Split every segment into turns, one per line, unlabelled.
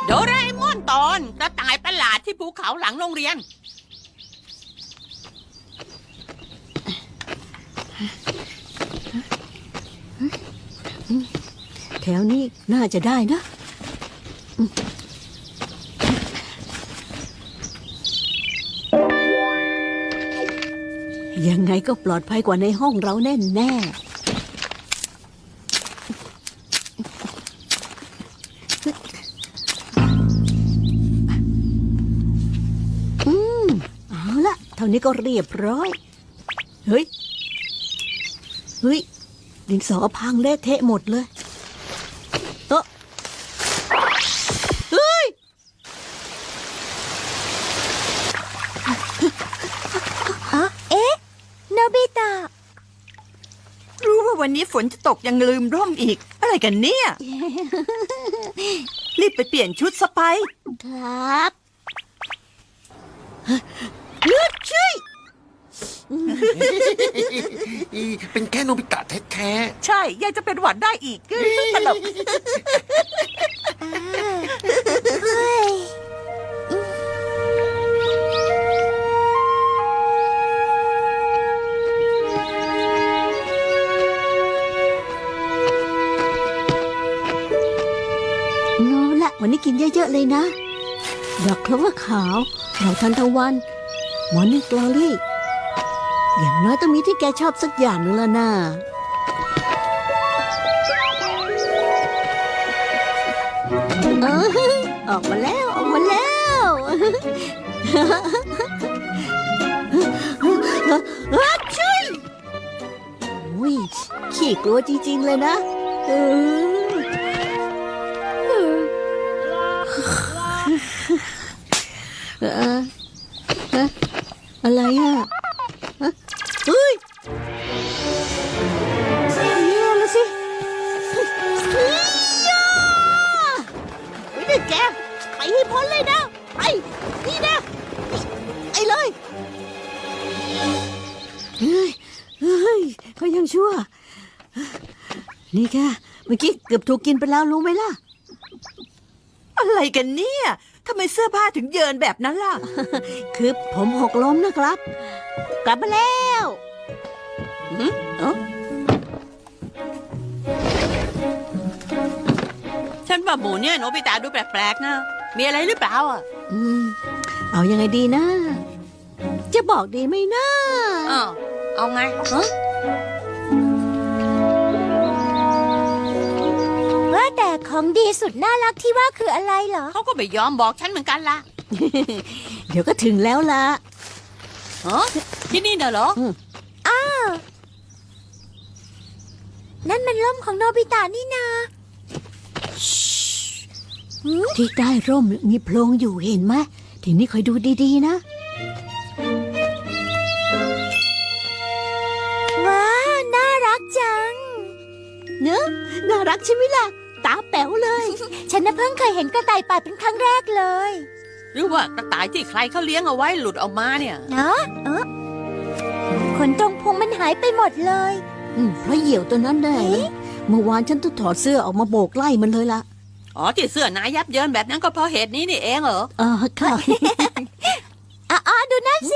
โดราเอมอนตอนกระต่ายประหลาดที่ภูเขาหลังโรงเรียน
แถวนี้น่าจะได้นะยังไงก็ปลอดภัยกว่าในห้องเราแน่แน่เอาละเท่านี้ก็เรียบร้อยเฮ้ยดินสอพังเละเทะหมดเลยเฮ้ย
โนบิตะ
รู้ว่าวันนี้ฝนจะตกยังลืมร่มอีก อะไรกันเนี่ย รีบไปเปลี่ยนชุดสไป
ครับ
เลือดช่วย
เป็นแค่โนบิตะแท้
ใช่ยังจะเป็นหวัดได้อีกตลก
เฮ้ย
โนละวันนี้กินเยอะๆเลยนะดอกคลเวอร์ขาวดอกทานตะวันมอร์นิ่งกลอรี่อย่างน้อยต้องมีที่แกชอบสักอย่างหนึ่งแล้วนะออกมาแล้วออกมาแล้วช่วยอุ้ยขี้กลัวจริงๆเลยนะอะไรอ่ะเฮ้ยแย่แล้วสิไม่ได้แกไปให้พ้นเลยนะไปนี่นะไอ้เลยเฮ้ยเขายังชั่วนี่แกเมื่อกี้เกือบถูกกินไปแล้วรู้ไหมล่ะ
อะไรกันเนี่ยทำไมเสื้อผ้าถึงเยินแบบนั้นล่ะ
คือผมหกล้มนะครับ กลับมาแล้วเอ้า
ฉันว่าหมูเนี่ยโนบิตะดูแปลกๆนะมีอะไรหรือเปล่าอ่ะ
เอายังไงดีนะ จะบอกดีไหมนะ
เอาไงฮะ
ว่าแต่ของดีสุดน่ารักที่ว่าคืออะไรเหรอ
เขาก็ไม่ยอมบอกฉันเหมือนกันล่ะ
เดี๋ยวก็ถึงแล้วล่ะ
ฮะที่นี่น่ะเหรอ
นั่นมันร่มของโนบิตะนี่นา
ที่ใต้ร่มมีโพรงอยู่เห็นไหมทีนี้คอยดูดีๆนะ
ว้าว น่ารักจัง
เนอะน่ารักใช่ไหมล่ะ ตาแป๋วเลย
ฉันน่ะเพิ่งเคยเห็นกระต่ายป่าเป็นครั้งแรกเลย
หรือว่ากระต่ายที่ใครเขาเลี้ยงเอาไว้หลุดออกมาเนี่ย
เนาะขนตรงพุงมันหายไปหมดเลย
เพราะเหยี่ยวตัวนั้นได้นะเมื่อวานฉันต้องถอดเสื้อออกมาโบกไล่มันเลยล่ะ
อ๋อที่เสื้อนายยับเยินแบบนั้นก็เพราะเหตุนี้นี่เองเหรอ
ค่ะ
อ๋อดูนั่นสิ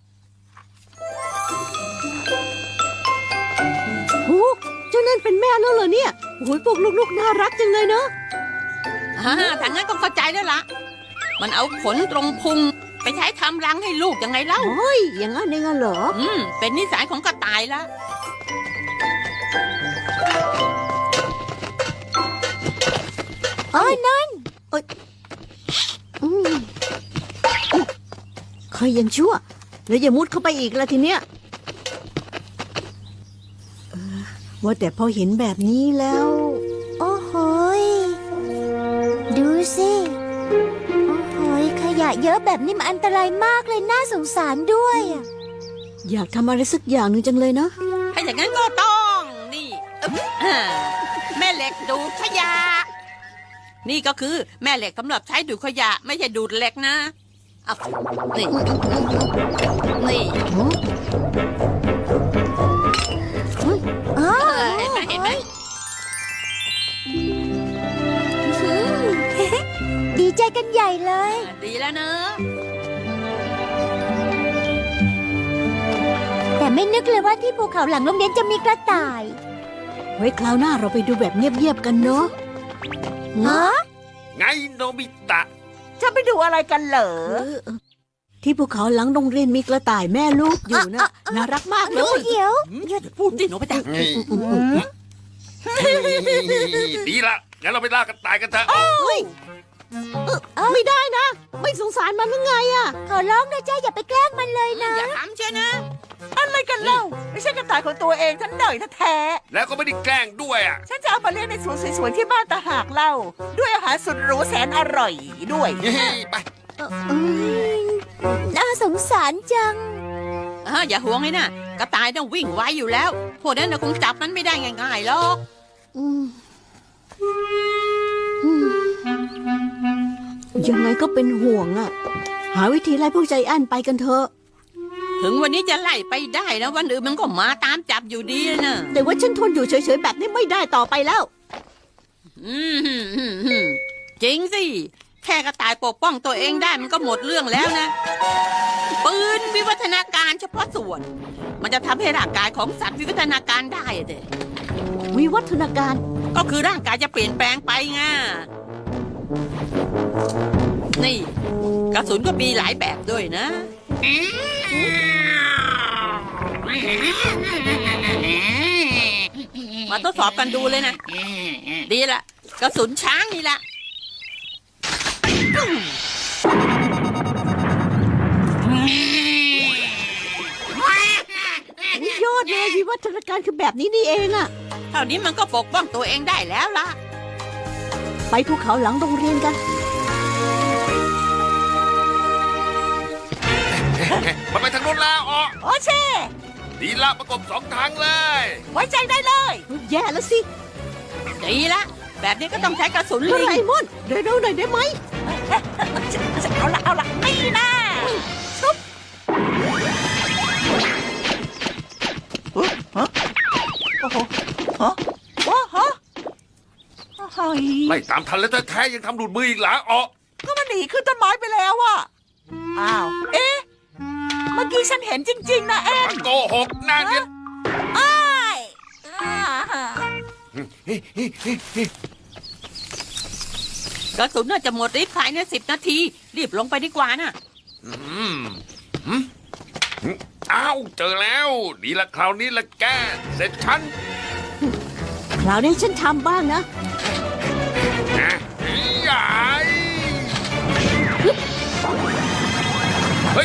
โอ้เจ้านั่นเป็นแม่แล้วเหรอเนี่ยโอ้ยพวกลูกๆน่ารักจังเลยเนาะ
ถ้างั้นก็เข้าใจแล้วล่ะ มันเอาขนตรงพุงไปใช้ทำรังให้ลูกยังไงเล่า
โอ้ยอย่างนั้นเองเหรอ
เป็นนิสัยของกระต่ายละ
อ๋อนั่น
คอยยังชั่ว แล้วอย่ามุดเข้าไปอีกละทีเนี้ยว่าแต่พอเห็นแบบนี้แล้ว
โอ้โหยดูสิโอ้โหยขยะเยอะแบบนี้มันอันตรายมากเลยน่าสงสารด้วยอะ
อยากทำอะไรสักอย่างหนึ่งจังเลยเนาะ
ถ้าอย่างนั้นก็ต้องนี่แม่เหล็กดูดขยะ นี่ก็คือแม่เหล็กสำหรับใช้ดูดขยะ ไม่ใช่ดูดเหล็กนะเอานี่นี่
อ๋อ
เห็นไหมเห็นไหม
ดีใจกันใหญ่เลย
ดีแล้วเนอะ
แต่ไม่นึกเลยว่าที่ภูเขาหลังโรงเรียนจะมีกระต่าย
ไว้คราวหน้าเราไปดูแบบเงียบๆกันเนาะ
ฮะ
ไงโนบิตะ
จะไปดูอะไรกันเหรอ
ที่ภูเขาหลังโรงเรียนมีกระต่ายแม่ลูกอยู่นะน่ารักมากเล
เดี๋ยวย เดี๋ยว
อย่าพูดดิโนบิตะ
นี่ดีละงั้นเราไปล่ากันตายกันเถอะ
ไม่ได้นะ ไม่สงสารมันหรือไงอะ
ขอร้องนะจ้าอย่าไปแกล้งมันเลยนะ
อย่าทำเชียวนะ
อะไรกันเล่า ไม่ใช่กระต่ายของตัวเองทั้งหน่อยแท้
แล้วก็ไม่ได้แกล้งด้วยอ่ะ
ๆฉันจะเอามาเลี้ยงในสวนสวยๆที่บ้านตาหากเล่า ด้วยอาหารสุดหรูแสนอร่อยด้วย
ไป
น่าสงสารจัง
อย่าห่วงเลยนะกระต่ายต้องวิ่งไวอยู่แล้ว พวกนั้นน่ะคงจับมันไม่ได้ง่ายๆหรอก
อืมอืมยังไงก็เป็นห่วงอะหาวิธีไล่พวกใจแอนไปกันเถอะ
ถึงวันนี้จะไล่ไปได้นะวันอื่นมันก็มาตามจับอยู่ดีนะ
แต่ว่าฉันทนอยู่เฉยๆแบบนี้ไม่ได้ต่อไปแล้ว
อืมจริงสิ แค่กระต่ายปกป้องตัวเองได้มันก็หมดเรื่องแล้วนะ ปืนวิวัฒนาการเฉพาะส่วน มันจะทำให้ร่างกายของสัตว์วิวัฒนาการได้อะเด็
วิวัฒนาการ
ก็คือร่างกายจะเปลี่ยนแปลงไปไงนี่ กระสุนก็มีหลายแบบด้วยนะ มาทดสอบกันดูเลยนะ ดีละกระสุนช้างนี่ละ
ยอดเลยวิวัฒนาการคือแบบนี้นี่เองอะ
เท่านี้มันก็ปกป้องตัวเองได้แล้วล่ะ
ไปภูเขาหลังโรงเรียนกัน
มันไปทางโน้นแล้วอ๋อ
โอเช่
ดีละประกบสองทางเลย
ไว้ใจได้เลย
แย่แล้วสิ
ดีละ แบบนี้ก็ต้องใช้กระสุน
โด
ลิง
ราเอมอนเร็วๆหน่อยได้ไหม
เอาละนี่นะชุบฮะโอ้โหฮะโอ้โหเฮ้ย
ไล่ตามทันแล้วแท้ๆยังทำหลุดมืออีกเหรออ๋อ
ก็มันหนีขึ้นต้นไม้ไปแล้วอะอ้าว เอ๊ะ เมื่อกี้ฉันเห็นจริง ๆ นะแอน
มันโกหกหน้าเนี่ย
อ้ายอ่าก
ระสุนน่าจะหมดฤทธิ์ภายใน10 นาที รีบลงไปดีกว่านะ
อืมหืมอ้าวเจอแล้ว ดีละคราวนี้ละแกเสร็จฉัน
คราวนี้ฉันทำบ้างนะ
นะใหญ่เฮ้ย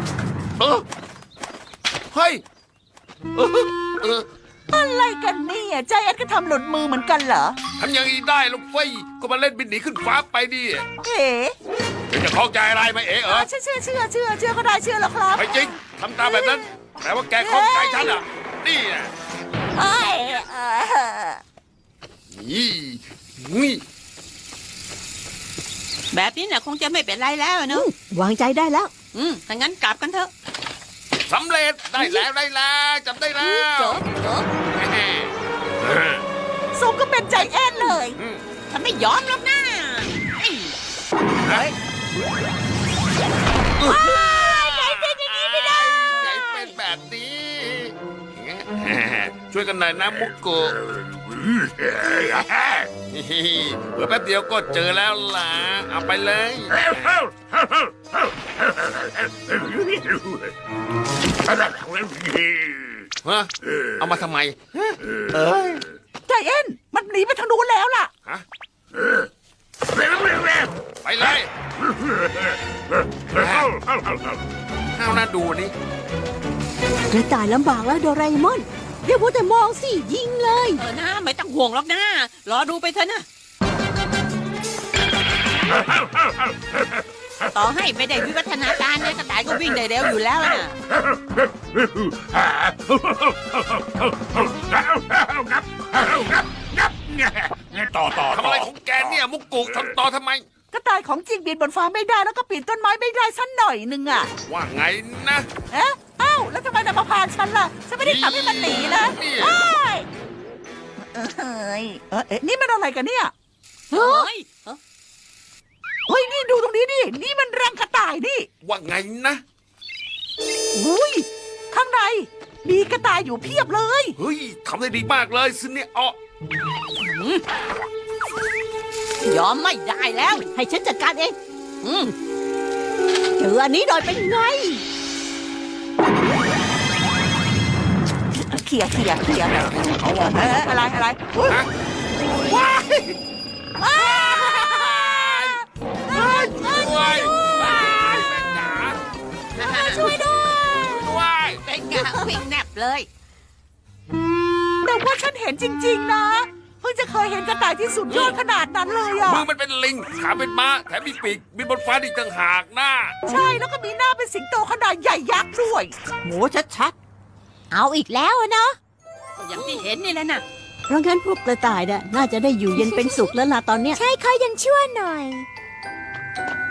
เฮ้ยเออ
อะไรกันเนี่ยใจแอนก็ทำหลุดมือเหมือนกันเหรอ
ทำอย่างนี้ได้ลูกเฟ้ยก็มาเล่นบินหนีขึ้นฟ้าไปดิ
เอ๋
เดี๋ยวจะเข้าใจอะไรไหมเอ๋เออ
เชื่อก็ได้เชื่อแล้วครับ
ไม่จริงทำตามแบบนั้นแต่ว่าแกเข้าใจฉันอ่ะนี่อ่ะ
เอ้ย
นี่นี่
แบบนี้น่ะคงจะไม่เป็นไรแล้วเนอะ
วางใจได้แล้ว
ถ้างั้นกลับกันเถอะ
สำเร็จได้แล้วจับได้แล้ว
โจ๊กโจ๊ก
สมก็เป็นใจแอนเลย
ฉันไม่ยอมหรอกนะเอ้ย
เฮ้ย
ไงเป็นอย่างนี้ไม่ได้
ไงเป็นแบบนี้ ช่วยกันหน่อยนะมุกโกะเผื่อแป๊บเดียวก็เจอแล้วล่ะเอาไปเลยฮะเอามาทำไม
ใจแอนมันหนีไปทางนู้นแล้วล่ะ
ฮะไปเลยเอาหน้าดูนี่
กระต่ายลำบากแล้วโดราเอมอนเดี๋ยวพูดแต่มองสิยิงเลย
นะไม่ต้องห่วงหรอกนะ รอดูไปเถอะนะ ต่อให้ไม่ได้วิวัฒนาการเนี่ยกระต่ายก็วิ่งได้เร็วอยู่แล้วนะ
ต่อทำอะไรของแกเนี่ยมุกกุทำต่อทำไม
กระต่ายของจริงบินบนฟ้าไม่ได้แล้วก็ปีนต้นไม้ไม่ได้สักหน่อยหนึ่งอ่ะ
ว่าไงนะ
เอ๊ะเอ้าแล้วทำไมนำมาพาฉันล่ะ ฉันไม่ได้ทำให้มันหนีนะ
นี่
เอ้ยเฮ้ยนี่มันอะไรกันเนี่ย
เฮ้ย
เฮ้ย นี่ดูนี่
ว่าไงนะ
อุ้ยข้างในมีกระต่ายอยู่เพียบเลย
เฮ้ยทำได้ดีมากเลยซินเนี่ยอ๋อย
อมไม่ได้แล้ว
ให้ฉันจัดการเอง
อืม
เจออันนี้หน่อยเป็นไง
เขี่ยอะไรอุ๊ย
ฮะ
ว้าย
ช่วยด้วยแม่จ๋า
ช่วยด้วย
ด้วย
เป็นไงวิ่งแนบเลย
แต่ว่าฉันเห็นจริงๆนะเพิ่งจะเคยเห็นกระต่ายที่สุดยอดขนาดนั้นเลยอ่ะ
มือมันเป็นลิงขาเป็นม้าแถมมีปีกบินบนฟ้าอีกต่างหากนะ
ใช่แล้วก็มีหน้าเป็นสิงโตขนาดใหญ่ยักษ์ด้วย
โหชัด
เอาอีกแล้วอะเนาะ
ๆอย่างที่เห็นนี่แหละน่ะ
เพราะงั้นพวกกระต่ายน่ะน่าจะได้อยู่เย็นเป็นสุขแล้วล่ะตอนเนี้ย
ใช่เขายังชั่วหน่อย